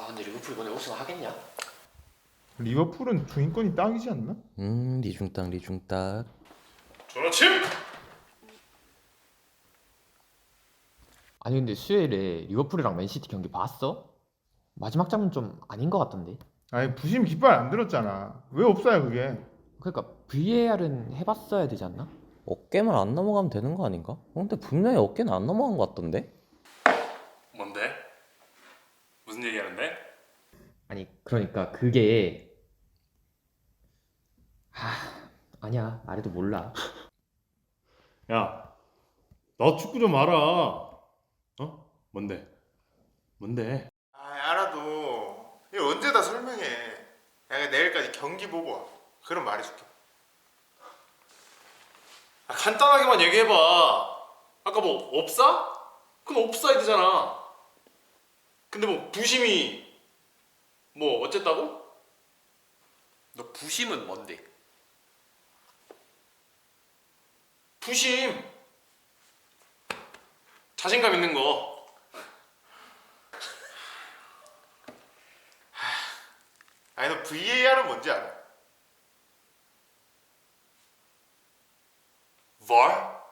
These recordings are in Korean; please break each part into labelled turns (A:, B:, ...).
A: 근데 리버풀 이번에 우승하겠냐?
B: 리버풀은 중위권이 딱이지 않나?
C: 리중딱 리중딱.
D: 그렇지.
A: 아니 근데 수요일에 리버풀이랑 맨시티 경기 봤어? 마지막 장면 좀 아닌 것 같던데.
B: 아니 부심 깃발 안 들었잖아. 왜 없어요 그게?
A: 그러니까 VAR은 해봤어야 되지 않나?
C: 어깨만 안 넘어가면 되는 거 아닌가? 근데 분명히 어깨는 안 넘어간 것 같던데?
D: 뭔데? 무슨 얘기하는데?
A: 아니 그러니까 그게 아니야 말해도 몰라.
D: 야, 너 축구 좀 알아. 어? 뭔데? 뭔데?
B: 알아도 이거 언제 다 설명해. 내가 내일까지 경기 보고 와. 그럼 말해줄게.
D: 간단하게만 얘기해봐. 아까 뭐 업사? 그건 옵사이드잖아. 근데 뭐 부심이 뭐 어쨌다고?
E: 너 부심은 뭔데?
D: 부심. 자신감 있는 거.
B: 아니 너 VAR은 뭔지 알아?
D: VAR?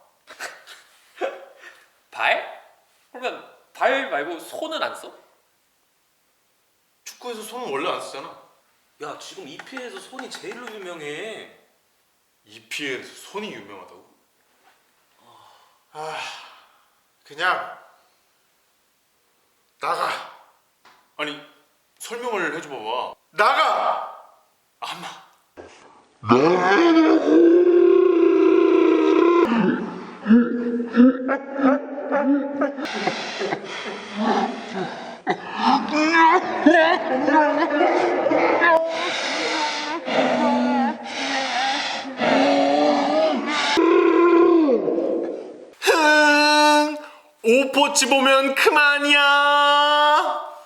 E: 발? 그러면 발 말고 손은 안 써?
D: 축구에서 손은 원래 안 쓰잖아.
E: 야 지금 EPL에서 손이 제일로 유명해.
D: EPL에서 손이 유명하다고?
B: 그냥 나가.
D: 아니 설명을 해줘 봐봐.
B: 나가.
D: 아마 오포치 보면 그만이야.